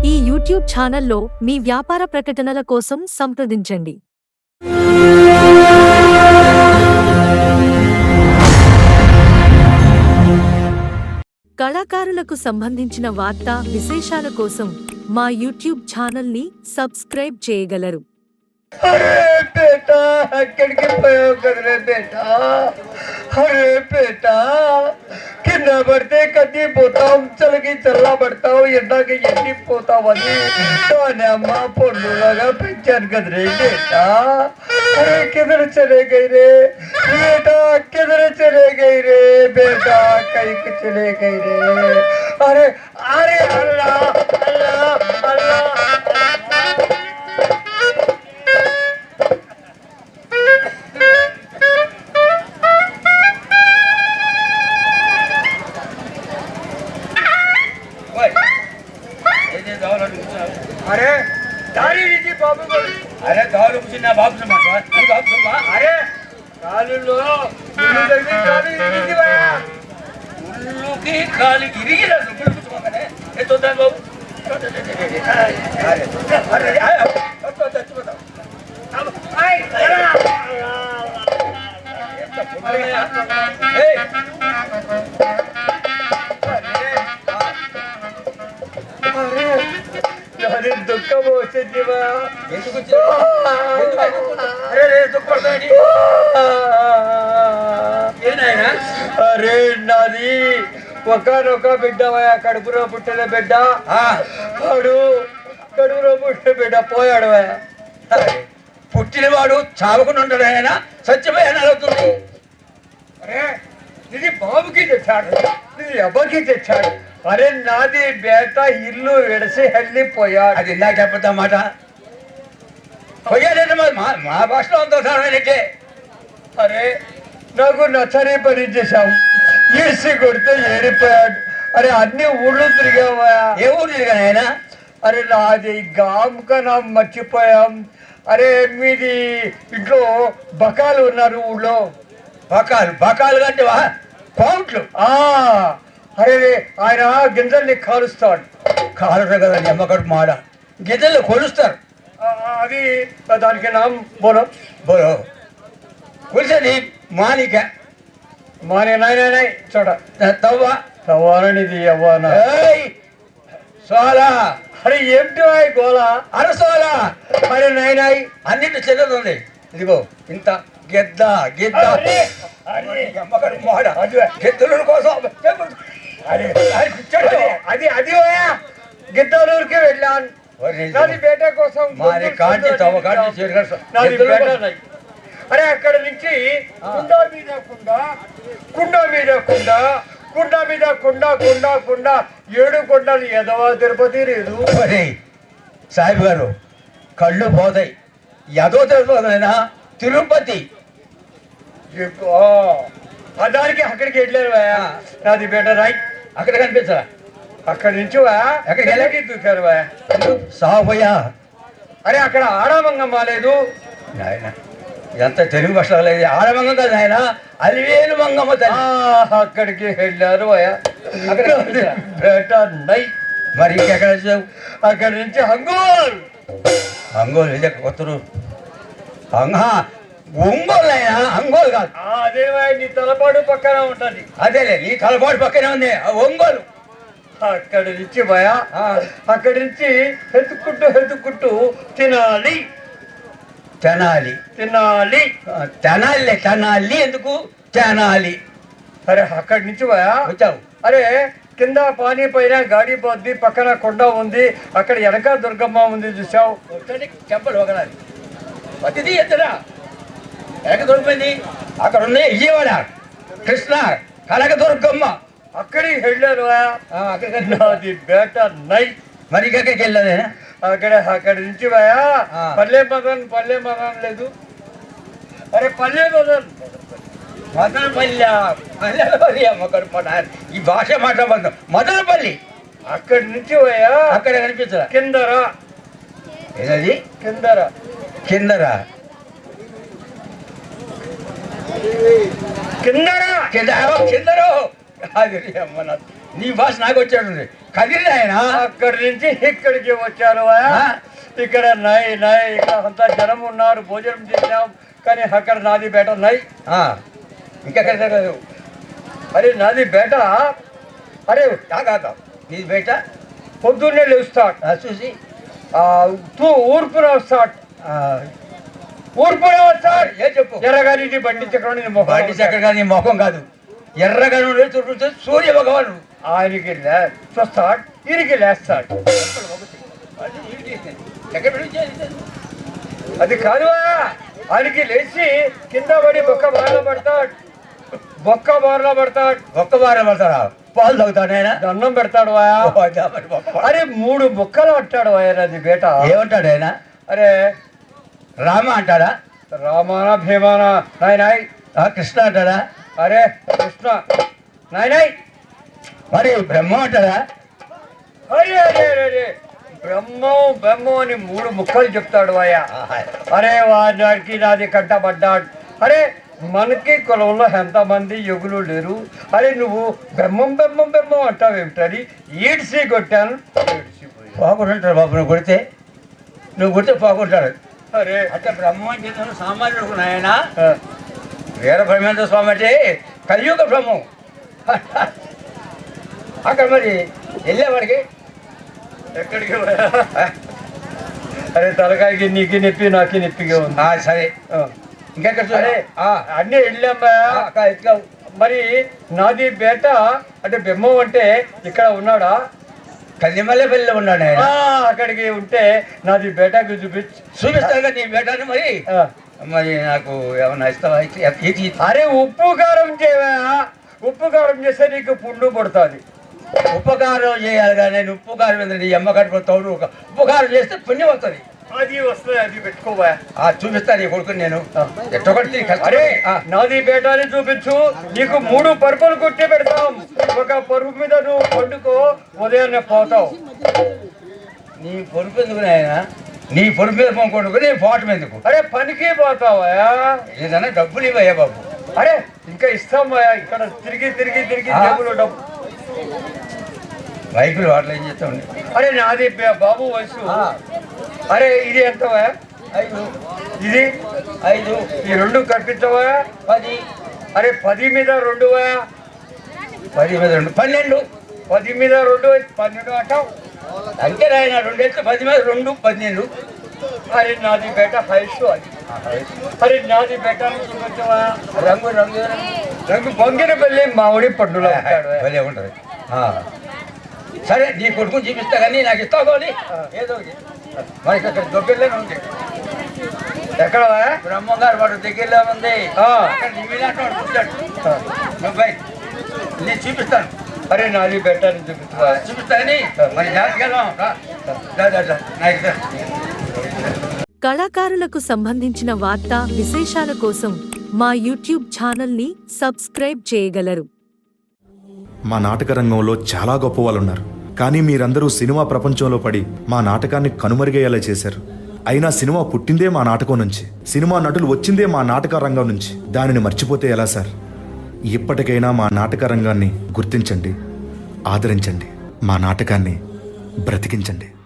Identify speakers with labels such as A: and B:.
A: ఈ యూట్యూబ్ ఛానల్లో మీ వ్యాపార ప్రకటనల కోసం సంప్రదించండి. కళాకారులకు సంబంధించిన వార్తా విశేషాల కోసం మా యూట్యూబ్ ఛానల్ని సబ్స్క్రైబ్ చేయగలరు.
B: अरे बेटा ఎక్కడికి పోయావు కదరే బేటా అరే బేటా కింద పడితే కద్ది పోతావు చలికి చల్లబడతావు ఎండకి ఎండిపోతావని దాని అమ్మ పొండులాగా పెంచాను కదరే బేటా అరే కిదర చలే గई रे बेटा किधर चले गई रे बेटा कहीं चले गई रे अरे अरे अल्लाह अल्लाह अल्लाह अरे दारी रीति बाबू अरे दारू कुछ ना बाबू से मत ये बाबू से अरे काली लो उल्लू जल्दी काली रीति वाया उल्लू की काली गिरी गिरा तो कुछ कुछ मत ये तो दान बाबू अरे अरे तो बताओ अब आई अरे दुख जीवा अरे दुख अरे नादी ఒకనొక బిడ్డవయ్యా కడుపులో పుట్టిన బిడ్డ వాడు కడుపులో పుట్టిన బిడ్డ పోయాడు పుట్టినవాడు చావకుండా ఉంటాడు ఆయన సత్యమయ్యాను అవుతుంది అరే ఇది బాబుకి తెచ్చాడు ఇది ఎవరికి తెచ్చాడు అరే నాది బేట ఇల్లు విడిసి వెళ్ళిపోయాడు అది ఇందాక చెప్పద్దా మాట పోయాడంటే మా భాషలో అంత సారైతే అరే నాకు నచ్చని పని చేశావు ఈడ్చి కొడితే ఏడిపోయాడు అరే అన్ని ఊళ్ళు తిరిగావా ఏ ఊరు తిరిగాను ఆయన అరే నాది గాంకన మర్చిపోయాం అరే మీది ఇంట్లో బకాలు ఉన్నారు ఊళ్ళో బకాలు బకాలు అంటే కౌంట్లు అరే ఆయన గింజల్ని కాలుస్తాడు కాలుతారు కదా అమ్మకడు మాడ గింజల్ని కొలుస్తారు అది దానికి నామ్ బోలో బోలో కొలిసేది మానిక మాని నాయనాయ్ చూడ తవ్వ తవ్వాలనిది అవ్వానా సోలా అరే ఏమిటి గోలా అరే సోలా అరే నాయనాయ్ అన్నింటి చెల్లదుంది ఇదిగో ఇంత గెద్ద గెద్ద గెద్దల కోసం అది అది గిద్దలూరుకి వెళ్ళాను నాది బేట కోసం అరే అక్కడ నుంచి కుండ మీద కుండ కుండ మీద కుండ కుండ మీద కుండ కుండ కుండ 7 కొండలు ఎదవ తిరుపతి లేదు సాహిబ్ గారు కళ్ళు పోతాయి ఎదో తిరుపతి తిరుపతి దానికి అక్కడికి వెళ్ళారు నాది బేట రాయ్ అక్కడ కనిపించరా అక్కడి నుంచి అక్కడికి వెళ్ళకి దూకారు సాపోయా అరే అక్కడ ఆడమంగమ్మ లేదు నాయన ఎంత తెలుగు భాషలో లేదు ఆడమంగం కాదు ఆయన అలివేలు మంగమ్మ అక్కడికి వెళ్ళారు బేట నై మరి ఇంకెక్కడ వచ్చావు అక్కడి నుంచి హంగోల్ హంగోల్ ఇది కొత్తరు ఒంగోలు అయినా అంగోలు కాదు అదే నీ తలపాటు పక్కన ఉంటది అదేలే నీ తలపాటు పక్కనే ఉంది ఒంగోలు అక్కడి నుంచి భయా అక్కడి నుంచి హెతుక్కుంటూ తినాలి తినాలి తినాలి తినాలి తినాలి ఎందుకు తినాలి అరే అక్కడి నుంచి భయా వచ్చావు అరే కింద పానీ పైన గాడి పోద్ది పక్కన కొండ ఉంది అక్కడ వెనక దుర్గమ్మ ఉంది చూసావు చెప్పలు ఒకనాలి ప్రతిదీ ఎత్తరా ఎనక దొరికిపోయింది అక్కడ ఉన్నాయి విజయవాడ కృష్ణ కనకదుర్గమ్మ అక్కడికి వెళ్ళారు అక్కడికి బేట నై మరి ఎక్కడికి వెళ్ళాను అక్కడి నుంచి పల్లె మదన్ లేదు అరే పల్లె మదన్ మదనపల్లి అమ్మకడు ఈ భాష మాట్లాడదు మదనపల్లి అక్కడి నుంచి అక్కడ కనిపించరా కిందరా ఏదది కిందరా కిందరా కిందరా కిందరో అది అమ్మ నీ భాష నాకు వచ్చాడు కదిరి ఆయన
C: అక్కడి నుంచి ఇక్కడికి వచ్చారు ఇక్కడ నై ఇక్కడ అంతా జనం ఉన్నారు, భోజనం చేసాం, కానీ అక్కడ నాది బేట నై.
B: ఇంకెక్కడ
C: అరే నాది బేట, అరే
B: కాదు నీ బయట
C: పొద్దున్నే లేస్తాడు
B: చూసి
C: ఊర్పున వస్తాడు, ఊర్పున వస్తాడు.
B: ఏ చెప్పు
C: ఎర్రగాని బండి చక్రం
B: బండి చక్కెర కానీ నీ ముఖం కాదు, ఎర్రగా చుట్టూ సూర్య భగవాను
C: ఆయనకి చూస్తాడు, ఈయనకి లేస్తాడు. అది కాదు, ఆయనకి లేచి కింద పడి బొక్క బారిలో పడతాడు, బొక్క బారిలో పడతాడు.
B: ఒక్క వారం పడతాడా? పాలు తాగుతాడు ఆయన,
C: దండం పెడతాడు. అరే 3 బొక్కలు అంటాడు ఆయన. అది బేట
B: ఏమంటాడు ఆయన?
C: అరే
B: రామ అంటాడా?
C: రామానా భీమానా నాయనాయ్.
B: కృష్ణ అంటాడా?
C: అరే కృష్ణ నాయనాయ్.
B: మరి బ్రహ్మ అంటాడా?
C: అరే అరే అరే బ్రహ్మం అని 3 ముక్కలు చెప్తాడు అయ్యా. అరే వాడికి నాది కంటపడ్డాడు. అరే మనకి కులంలో ఎంతమంది యుగులు లేరు, అరే నువ్వు బెమ్మం అంటావేమిటని ఈడ్చి కొట్టాను.
B: పోకుంటాడు బాబు, నువ్వు కొడితే పోకుంటాడు.
C: అరే
B: అంటే బ్రహ్మం అంటే సామాన్యుడు ఆయన, వీర బ్రహ్మేంద్ర స్వామి అంటే కలియుగ బ్రహ్మం. అక్కడ మరి వెళ్ళేవాడికి
C: ఎక్కడికి అరే తలకాయకి నీకు నొప్పి నాకు నొప్పిగా ఉంది.
B: సరే ఇంకెక్కడ
C: సరే అన్నీ వెళ్ళామ్మా. మరి నాది బేట అంటే బెమ్మం అంటే ఇక్కడ ఉన్నాడా?
B: కల్లిమల్లెపల్లిలో ఉన్నాడు ఆయన.
C: అక్కడికి ఉంటే నాది బేటకి
B: చూపిస్తాను కదా నీ బేటాన్ని. మరి మరి నాకు ఏమన్నా ఇస్తావా?
C: అరే ఉప్పు కారం చేయవా, ఉప్పు కారం చేస్తే నీకు పుండు పడుతుంది.
B: ఉపకారం చేయాలి కానీ నేను ఉప్పు కారం మీద నీ అమ్మ కట్టుకుంటావు. ఉపకారం చేస్తే పుణ్యం వస్తుంది.
C: అది వస్తుంది, అది పెట్టుకోవా.
B: చూపిస్తాను నీ కొడుకుని నేను ఎట్టొకటి.
C: అరే నాది బేటాని చూపించు, నీకు 3 పరుపులు కుట్టి పెడతాం. ఒక పరుపు మీద నువ్వు పండుకో, ఉదయాన్నే పోతావు.
B: నీ పొరుపు ఎందుకు ఆయన? నీ పొరుపు మీద పండుకో, నీ పోవటం ఎందుకు?
C: అరే పనికి పోతావా?
B: ఏదన్నా డబ్బులు ఇవ్వయ్యా బాబు.
C: అరే ఇంకా ఇస్తాం ఇక్కడ తిరిగి జేబులో డబ్బు.
B: బైకులు వాటిలో ఏం చేస్తా ఉండే.
C: అరే నాది బాబు వయసు. అరే ఇది ఎంత?
B: 5.
C: ఇది
B: 5.
C: ఈ 2 కల్పించవా?
B: 10.
C: అరే 10 మీద 2
B: 10 మీద 2 12.
C: 10 మీద 2 12 అంటావు.
B: అంటే ఆయన 2 ఎత్తు 10 మీద 2 12.
C: అరే నాది బేట హైసు అది. అరే నాది బేట చూపించవా? రంగు బొంగిన పెళ్ళి మామిడి పండులో
B: భలే ఉంటుంది. సరే నీ కొడుకుని చూపిస్తా కానీ నాకు ఇస్తావు కానీ ఏదో మనకి అక్కడ దగ్గరలోనే ఉంది.
C: ఎక్కడ
B: బ్రహ్మగారు వాడు దగ్గరలో ఉంది. నేను చూపిస్తాను.
C: అరే నాది బెటర్
B: చూపిస్తాను మరి జాగ్రత్తగా
A: కళాకారులకు సంబంధించిన వార్తా విశేషాల కోసం మా యూట్యూబ్ ఛానల్ని సబ్స్క్రైబ్ చేయగలరు.
D: మా నాటక రంగంలో చాలా గొప్ప వాళ్ళు ఉన్నారు, కానీ మీరందరూ సినిమా ప్రపంచంలో పడి మా నాటకాన్ని కనుమరుగయ్యేలా చేశారు. అయినా సినిమా పుట్టిందే మా నాటకం నుంచి, సినిమా నటులు వచ్చిందే మా నాటక రంగం నుంచి. దానిని మర్చిపోతే ఎలా సార్? ఇప్పటికైనా మా నాటక రంగాన్ని గుర్తించండి, ఆదరించండి, మా నాటకాన్ని బ్రతికించండి.